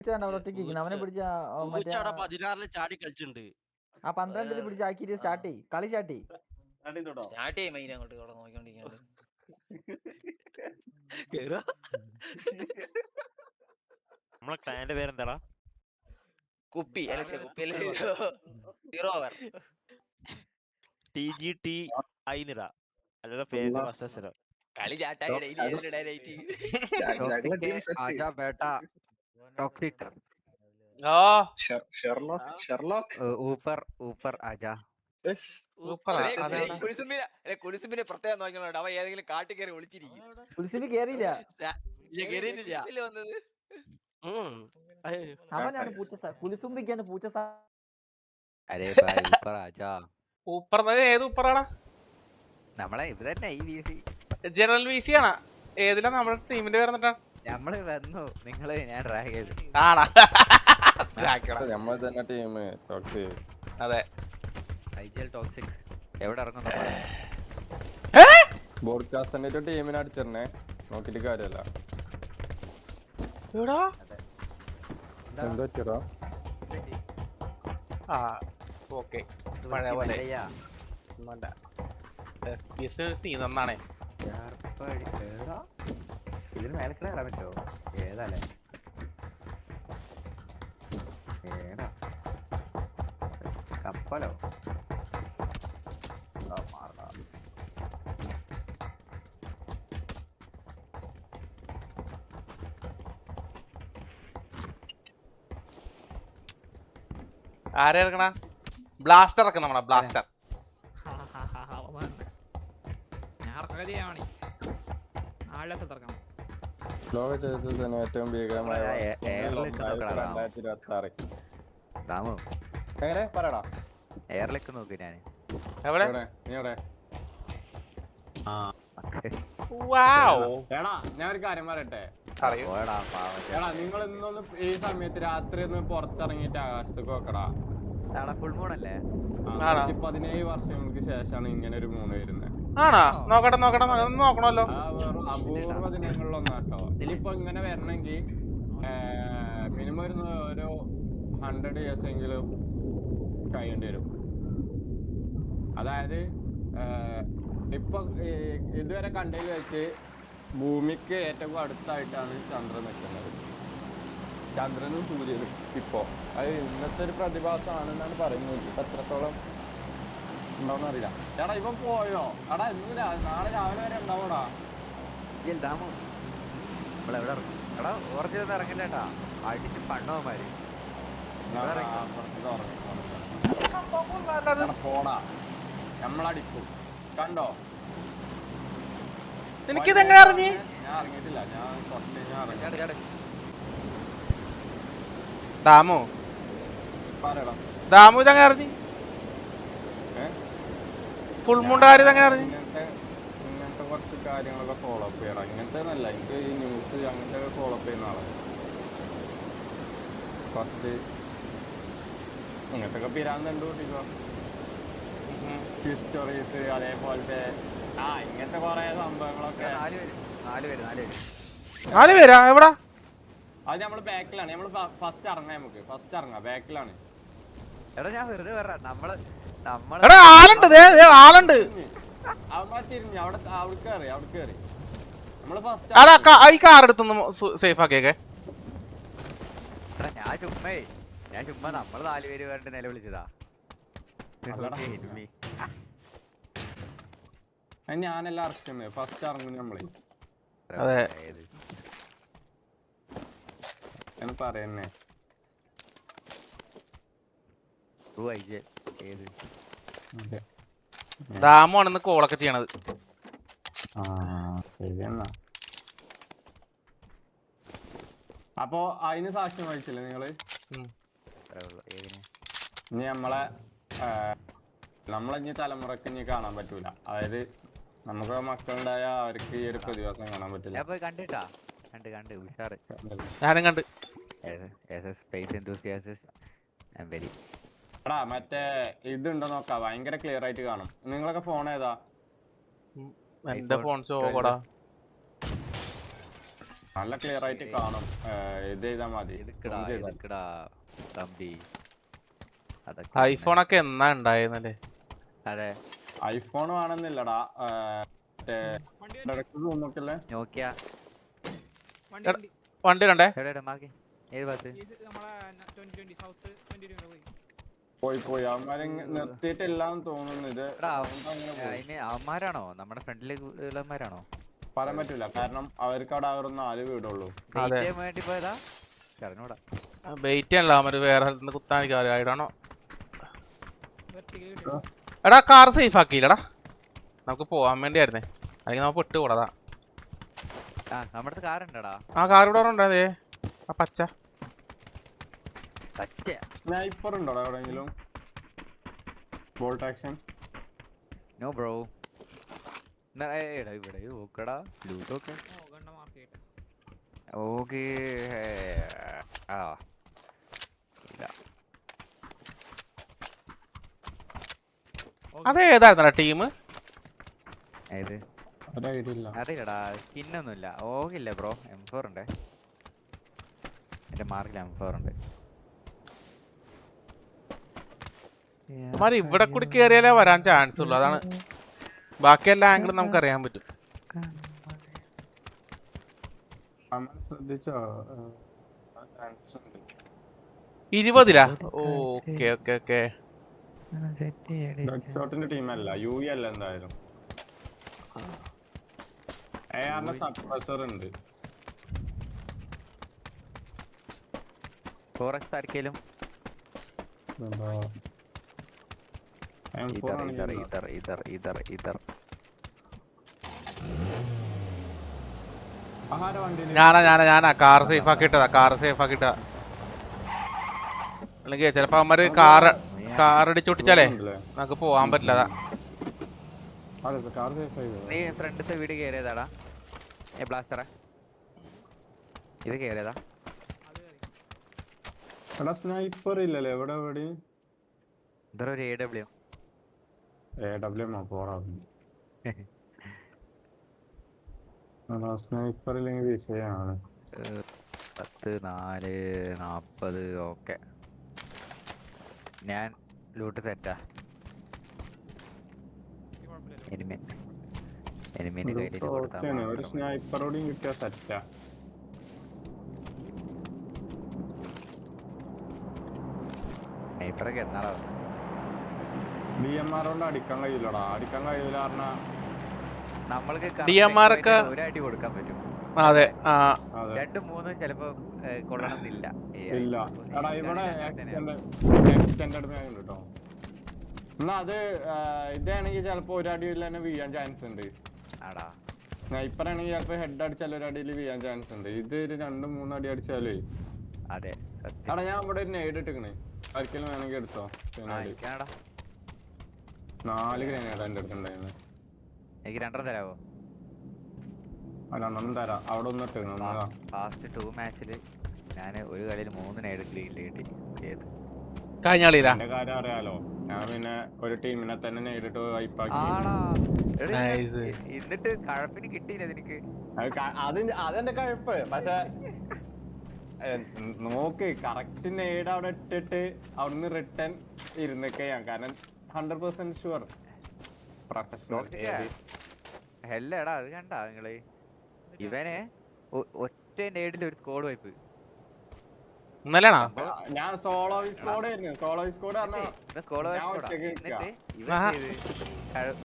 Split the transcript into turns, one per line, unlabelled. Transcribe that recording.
അവനെ പിടിച്ച മറ്റേ
16 ചാടി കളിച്ചിട്ടുണ്ട്.
ആ 12 പിടിച്ച് ആക്കിട്ട് സ്റ്റാർട്ട് ചെയ്യും. കളി സ്റ്റാർട്ട് ചെയ്യും.
സ്റ്റാർട്ട് ചെയ്യും മെയിൻ അങ്ങോട്ട് നോക്കിക്കൊണ്ടിരിക്കുന്നത്.
നമ്മളെ ക്ലയന്റ് പേരെന്താടാ?
കുപ്പി കുപ്പിയല്ലേ 0 ഓവർ
TGT ഐനിറ അല്ലടാ പേര് വസ്സസരം.
കളി ചാട്ടായി ഡെയിലി ഡയലൈറ്റ്
आजा बेटा टॉक्सिक
ഷെർലോക്ക്
ऊपर ऊपर आजा
കുലിസുമിനെ പ്രത്യേകം നോക്കണോട്ടോ. അവ ഏതെങ്കിലും കാട്ടി കയറി ഒളിച്ചിരിക്കും.
കുലിസിന് കേറിയില്ല.
വന്നത്
അവനാണ് പൂച്ച കുലിസുമ്പിക്കാണ് പൂച്ച. അരേ ऊपर आजा.
ഊപ്പർ ഏത് ഊപ്പറാണ്?
നമ്മളെ ഇത് തന്നെ ഈ വിസി
ജനറൽ വിസി ആണ്. ഏതിലാ നമ്മുടെ ടീമിന്റെ പേര് എന്നിട്ടാ?
നമ്മള് വന്നു നിങ്ങള് ഞാൻ ഡ്രാഗ് ചെയ്തു.
ആണാ
നമ്മൾ തന്നെ ടീം ടോക്സിക്.
അതെ
ഐജിഎൽ ടോക്സിക് എവിടെ ഇറങ്ങുന്നു?
ബോഡ്കാസ്റ്റിന്റെ ടീമിനെ അടിച്ചിരുന്നേ നോക്കിട്ട് കാര്യല്ല. എന്താ വെച്ചോ?
ആ ഓക്കെ പഴയ പോലെ നന്നാണേ.
ഇതിന് മേലെ കയറാൻ പറ്റുമോ? ഏതാല്ലേ ഏതാ കപ്പലോ?
ആരെ ഇറക്കണ? ബ്ലാസ്റ്റർ ഇറക്കണം. നമ്മളെ ബ്ലാസ്റ്റർ
ലോക ചരിത്രത്തിന് ഏറ്റവും ഭീകരമായ എങ്ങനെ പറയടാ?
എയറിലേക്ക് നോക്ക്. ഞാൻ
എവിടെ?
നീ എവിടെ? എടാ ഞാൻ ഒരു കാര്യം പറയട്ടെ. എടാ നിങ്ങൾ ഇന്നൊന്ന് ഈ സമയത്ത് രാത്രി ഒന്ന് പുറത്തിറങ്ങിയിട്ട് ആകാശത്തേക്ക് നോക്കടാ.
ഫുൾ മൂണല്ലേ?
17 വർഷങ്ങൾക്ക് ശേഷമാണ് ഇങ്ങനെ ഒരു മൂന്ന് വരുന്നത്.
ആണോ? നോക്കട്ടെ നോക്കണല്ലോ.
അപൂർവ ദിനങ്ങളിലൊന്നാട്ടോ. ഇതിലിപ്പോ ഇങ്ങനെ വരണമെങ്കിൽ മിനിമം ഒരു 100 years എങ്കിലും കഴിയേണ്ടി വരും. അതായത് ഇപ്പൊ ഇതുവരെ കണ്ടതിൽ വെച്ച് ഭൂമിക്ക് ഏറ്റവും അടുത്തായിട്ടാണ് ചന്ദ്രൻ നിൽക്കുന്നത്. ചന്ദ്രനും സൂര്യനും ഇപ്പോ അത് ഇന്നത്തെ ഒരു പ്രതിഭാസമാണെന്നാണ് പറയുന്നത്. ഇപ്പൊ എത്രത്തോളം ഉണ്ടാവുന്ന അറിയില്ല. ചേട്ടാ ഇവൻ പോയോ? എടാ ഇന്ന് നാളെ രാവിലെ വരെ ഉണ്ടാവോടാ?
നമ്മളെവിടെ ഇറങ്ങും? എടാ ഓർജിനൊന്നും ഇറങ്ങില്ലേട്ടാ. അടിച്ച് പണ്ണവന്മാര്
പോടാ. നമ്മളടിക്കും കണ്ടോ?
എനിക്കിതെങ്ങനെ അറിഞ്ഞ്?
ഞാൻ ഇറങ്ങിയിട്ടില്ല. ഞാൻ കുറച്ച് ഇറങ്ങി.
ദാമു
പറയടാ.
ദാമു ഇതെങ്ങനെ അറിഞ്ഞ്? ഫുൾ മൂണ്ടാര് ഇതെങ്ങനെ അറിഞ്ഞ്?
ഇങ്ങനത്തെ കുറച്ച് കാര്യങ്ങളൊക്കെ ഫോളോ അപ്പ് ചെയ്യണം. ഇങ്ങനത്തെ ഒന്നല്ല, എനിക്ക് ഈ ന്യൂസ് അങ്ങനത്തെ ഫോളോ അപ്പ് ചെയ്യുന്ന ആളാണ്. കുറച്ച് ഇങ്ങനത്തെ ഒക്കെ പിരാന്ത് കണ്ടുപിടിക്കോ ഹിസ്റ്ററീസ് അതേപോലത്തെ ഇങ്ങനത്തെ കൊറേ സംഭവങ്ങളൊക്കെ.
4 പേരാ? എവിടാ?
അത് നമ്മള് ബാക്കിലാണ്. നമ്മള് ഫസ്റ്റ് ഇറങ്ങാം. നമുക്ക് ഫസ്റ്റ് ഇറങ്ങാം. ബാക്കിലാണ്.
എടാ ഞാൻ വെറുതെ പറ. നമ്മള്
എടാ ആളുണ്ട്
അവന്മാർ തിരിഞ്ഞു. അവിടെ കയറി നമ്മള് ഫസ്റ്റ്.
ഈ കാർ എടുത്തൊന്ന് സേഫ് ആക്കിയേക്കെ.
ഞാൻ ചുമ്മാ നമ്മള് 4 പേര് വേണ്ട നിലവിളിച്ചതാ.
ഞാനെല്ലാം ഇറക്കുന്നത് ഫസ്റ്റ് ഇറങ്ങും നമ്മള്.
അതെ
പറയുന്നേ.
ദാമുവാണ് കോളൊക്കെ ചെയ്യണത്.
ശരിയെന്നാ. അപ്പൊ അതിന് സാക്ഷ്യം വഹിച്ചില്ലേ നിങ്ങള്? ഇനി നമ്മളെ തലമുറക്ക് ഇനി കാണാൻ പറ്റൂല. അതായത് നമുക്ക് മക്കളുണ്ടായ അവർക്ക് ഈ ഒരു പ്രതിഭാസം കാണാൻ പറ്റില്ല.
ഞാനും കണ്ട്.
എടാ മറ്റേ ഇതുണ്ടോ നോക്കാം. ഭയങ്കര ക്ലിയർ ആയിട്ട് കാണും. നിങ്ങളൊക്കെ ഫോൺ ഏതാ?
എന്റെ ഫോൺ ചോടാ.
നല്ല ക്ലിയർ ആയിട്ട് കാണും. ഇത് ചെയ്താ മതി.
എടുക്കടാ
zoom ചെയ്താ.
എടുക്കടാ തമ്പി. അതൊക്കെ
ഐഫോണൊക്കെ എന്നാ ഉണ്ടായിരുന്നല്ലേ?
അതെ
ഐഫോൺ വേണമെന്നില്ലടാ. നോക്കല്ലേ
നോക്കിയ
വണ്ടി കണ്ടേ?
എവിടെ മാക്കി ഏത് ഭാഗത്ത്?
പോയി അവന്മാരെ നിർത്തിയിട്ടില്ലാന്ന് തോന്നുന്നു. ഇത്
എടാ, അതിന് അവന്മാരാണോ നമ്മുടെ ഫ്രണ്ടില് ഉള്ളവന്മാരാണോ?
പറയാൻ പറ്റൂല, കാരണം അവർക്ക് അവിടെ അവർ 4 വീടുള്ളൂ.
അതെ.
ചെയ്യാൻ വേണ്ടി പോയതാ അറിഞ്ഞൂടാ.
വെയിറ്റ് ചെയ്യാനല്ലോ അവര് വേറെ സ്ഥലത്ത് കുത്താനിക്ക് ആയിടാണോ? എടാ കാർ സേഫ് ആക്കിയില്ലടാ, നമുക്ക് പോവാൻ വേണ്ടിയായിരുന്നേ, അല്ലെങ്കിൽ നമുക്ക് വിട്ടുകൂടാ.
ആ നമ്മുടെ കാറുണ്ടടാ.
ആ കാർ ഇവിടെ ഉണ്ടായതേ, ആ പച്ച
പച്ച
സ്നൈപ്പർ ഉണ്ടോടാ എവിടെയെങ്കിലും? Bolt action
no bro. എടാ ഇവിടെ നോക്കടാ ലൂട്ടൊക്കെ. ഓക്കേ ആ ഇല്ല
അതേതായിരുന്നടാ ടീം?
ഏത്
ഒരു ഐഡിയ ഇല്ല.
അറിയില്ലടാ, സ്കിന്നൊന്നുമില്ല. ഓകില്ല ബ്രോ. M4 ഉണ്ട് എന്റെ മാർക്കിൽ. M4 ഉണ്ട്.
അവന്മാര് ഇവിടെ കൂടി കേറിയാലേ വരാൻ ചാൻസ് ഉള്ളു, അതാണ്. ബാക്കി എല്ലാ ആംഗിളും നമുക്ക് അറിയാൻ പറ്റും.
ശ്രദ്ധിച്ചോ?
20 ഓക്കെ ഓക്കെ ഓക്കെ.
ഷോട്ടിന്റെ ടീമല്ല, UE അല്ല എന്തായാലും. AR-ന്റെ സപ്രസർ ഉണ്ട്.
4x ആർക്കേലും
M4 ആണെങ്കിൽ ആഹാര വണ്ടിയിൽ
ഞാനാ കാർ സേഫ് ആക്കിട്ടതാ, അല്ലെങ്കിൽ ചിലപ്പോ അവന്മാര് കാർ അടിച്ചൊട്ടിച്ചാലേ നമുക്ക് പോവാൻ പറ്റില്ല. അതാ
അതെ കാർ സേഫ് ആയി.
നീ ഫ്രണ്ടത്തെ വീട് കയറിയതാടാ ബ്ലാസ്റ്ററെ? ഇത് കയറിയതാ?
എടാ സ്നൈപ്പർ ഇല്ലല്ലേ എവിടെ?
ഇതൊരു AW.
പോടാ. സ്നൈപ്പർ ഇല്ലെങ്കിൽ വിഷയമാണ്.
10 4 40. ഓക്കെ ഞാൻ ലൂട്ട് സെറ്റാ. എനിമിന്റെ കയ്യിൽ
ഒരു സ്നൈപ്പറോടും കിട്ടിയ സെറ്റാ.
സ്നൈപ്പറൊക്കെ എന്നാടാ
DMR കൊണ്ട് അടിക്കാൻ കഴിയില്ലടാ. പറഞ്ഞാ
നമ്മൾക്ക്
DMR ഒക്കെ
ഒരു അടി കൊടുക്കാൻ പറ്റും.
അതെ.
2 3 ചിലപ്പോ കൊള്ളണമെന്നില്ല.
ഇല്ല എടാ ഇവിടെ എക്സ്റ്റൻഡ് കേട്ടോ. എന്നാ അത് ഇതാണെങ്കിൽ ചിലപ്പോ ഒരടിയിൽ തന്നെ വീഴാൻ ചാൻസ് ഉണ്ട്.
ആടാ
സ്നൈപ്പർ ആണെങ്കിൽ ചിലപ്പോ ഹെഡ് അടിച്ചാൽ ഒരടിയിൽ വീഴാൻ ചാൻസ് ഉണ്ട്. ഇത് ഒരു 2-3 അടി അടിച്ചാലേ.
അതെ
എടാ ഞാൻ ഇവിടെ ഒരു നെയ്ഡ് ഇട്ടിക്കണേ, ഒരിക്കലും വേണമെങ്കിൽ എടുത്തോ. 4 ഗ്രനേഡ് എന്റെ അടുത്തുണ്ടായിരുന്നു.
എനിക്ക് 2 തരാവോ?
2 തരാം. അവിടെ ഒന്ന് ഇട്ടിക്കണം.
ഫാസ്റ്റ് 2 മാച്ചില് ഞാൻ ഒരു കളിയിൽ 3 നേട് ക്ലീൻ കിട്ടി. ഏത്
കഴിഞ്ഞ കളിയിലാ?
എന്റെ കാര്യം അറിയാലോ, ഞാൻ പിന്നെ ഒരു ടീമിനെ തന്നെ നേരിട്ട് വൈപ്പാക്കി.
എന്നിട്ട് കഴപ്പിന് കിട്ടിയില്ല നിനക്ക്?
അതെന്റെ കഴപ്പ്. പക്ഷെ നോക്ക് കറക്റ്റ് നേട് അവിടെ ഇട്ടിട്ട് അവിടുന്ന് റിട്ടേൺ ഇരുന്നൊക്കെ ഞാൻ, കാരണം 100% ഷുവർ പ്രൊഫഷണൽ.
ഹെല്ലടാ അത് കണ്ടാ നിങ്ങള്? ഇവനെ ഒറ്റ നേടിൽ ഒരു സ്കോഡ് വൈപ്പ്.
ഇന്നലെയാണോ?
ഞാൻ സോളോ സ്കോഡ് ആയിരുന്നു. സോളോ സ്കോഡ് പറഞ്ഞാൽ
സ്കോഡ് വൈപ്പ്. എന്നിട്ട് ഇവൻ